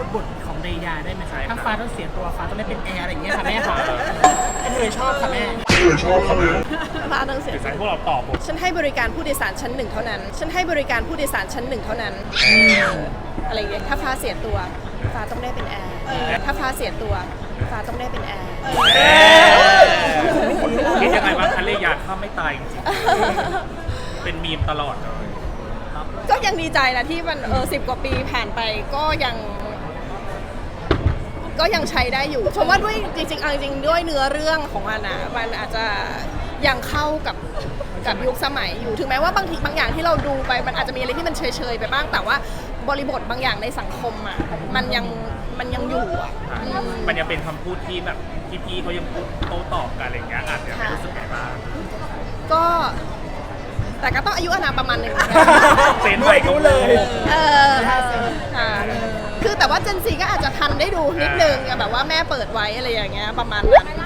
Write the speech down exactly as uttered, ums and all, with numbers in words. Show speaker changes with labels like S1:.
S1: บทของเรยาได้ไหมคะถ้าฟ้าต้องเสียตัวฟ้าต้องได้เป็นแอร์อะไรอย่างเงี้ยค่ะแม่ค่ะเคยชอบค่ะแม่เคยชอบค่ะแม่
S2: ฟ้าต้องเสีย
S3: หรือจะให้พวกเราตอบบท
S2: ฉันให้บริการผู้โดยสารชั้นหนึ่งเท่านั้น ฉันให้บริการผู้โดยสารชั้นหนึ่งเท่านั้นอะไรอย่างเงี้ยถ้าฟ้าเสียตัวฟ้าต้องได้เป็นแอร์ถ้าฟ้าเสียตัวฟ้าต้องได้เป็นแอร์
S3: คิดยังไงบ้างคะเลยอยากข้ามไม่ตายจริงๆเป็นมีมตลอดเลย
S2: ก็ยังดีใจนะที่มันเออสิบกว่าปีผ่านไปก็ยัง ก็ยังใช้ได้อยู่ชมว่าด้วยจริงๆเอาจริงๆด้วยเนื้อเรื่องของมันอ่ะมันอาจจะยังเข้ากับกับยุคสมัยอยู่ถึงแม้ว่าบางทีบางอย่างที่เราดูไปมันอาจจะมีอะไรที่มันเฉยๆไปบ้างแต่ว่าบริบทบางอย่างในสังคมอ่ะมันยังมันยังอยู่อ่ะอืม
S3: มันยังเป็นคำพูดที่แบบพี่ๆเขายังพูดโต้ตอบกันอะไรอย่างเงี้ยอาจจะไม่รู้สึกไงบ้าง
S2: ก็แต่ก็ต้องอายุอานามประมาณหนึ่ง
S3: เซนใหม่ก็เลย
S2: เออค่ะคือแต่ว่าเจนซีก็อาจจะทันได้ดูนิดนึงแบบว่าแม่เปิดไว้อะไรอย่างเงี้ยประมาณนั้น